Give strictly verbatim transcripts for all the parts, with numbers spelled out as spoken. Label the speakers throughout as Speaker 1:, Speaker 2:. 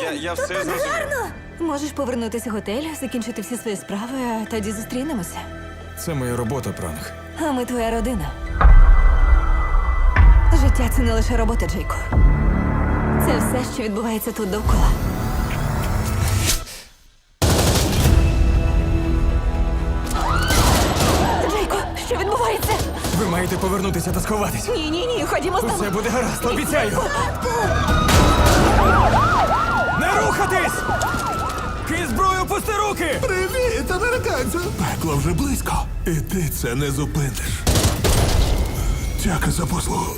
Speaker 1: я, я все зрозумів.
Speaker 2: Можеш повернутися в готель, закінчити всі свої справи, а тоді зустрінемося.
Speaker 3: Це моя робота, пранк.
Speaker 2: А ми твоя родина. Життя — це не лише робота, Джейко. Це все, що відбувається тут довкола. Джейко, що відбувається?
Speaker 3: Ви маєте повернутися та сховатись.
Speaker 2: Ні, ні, ні, ходімо з нами.
Speaker 3: Все буде гаразд, обіцяю. Не рухатись! Кинь зброю, пусти руки!
Speaker 4: Привіт, американцю! Пекло вже близько. І ти це не зупиниш. Дяка за послугу.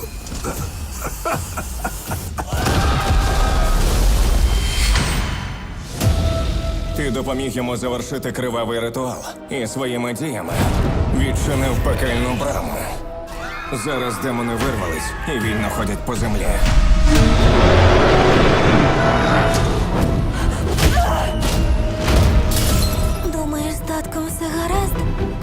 Speaker 5: Ти допоміг йому завершити кривавий ритуал і своїми діями відчинив пекельну браму. Зараз демони вирвались і вільно ходять по землі.
Speaker 2: Думаєш, з татком все гаразд?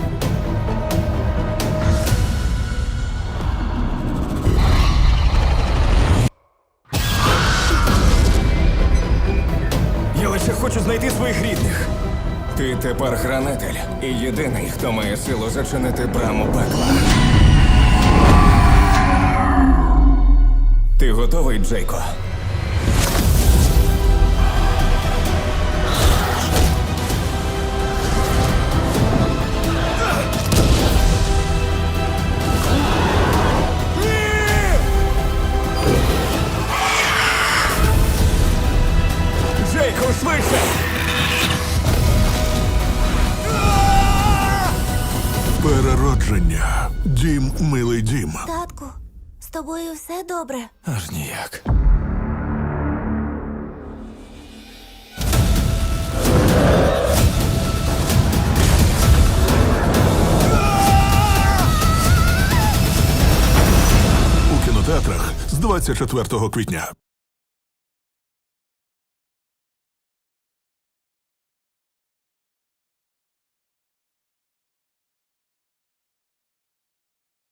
Speaker 3: Я лише хочу знайти своїх рідних.
Speaker 5: Ти тепер хранитель і єдиний, хто має силу зачинити браму пекла. Ти готовий, Джейко?
Speaker 3: Джейко, швидше!
Speaker 4: Переродження. Дім, милий дім.
Speaker 2: Татку, з тобою все добре?
Speaker 3: Аж ніяк.
Speaker 4: У кінотеатрах з двадцять четвертого квітня.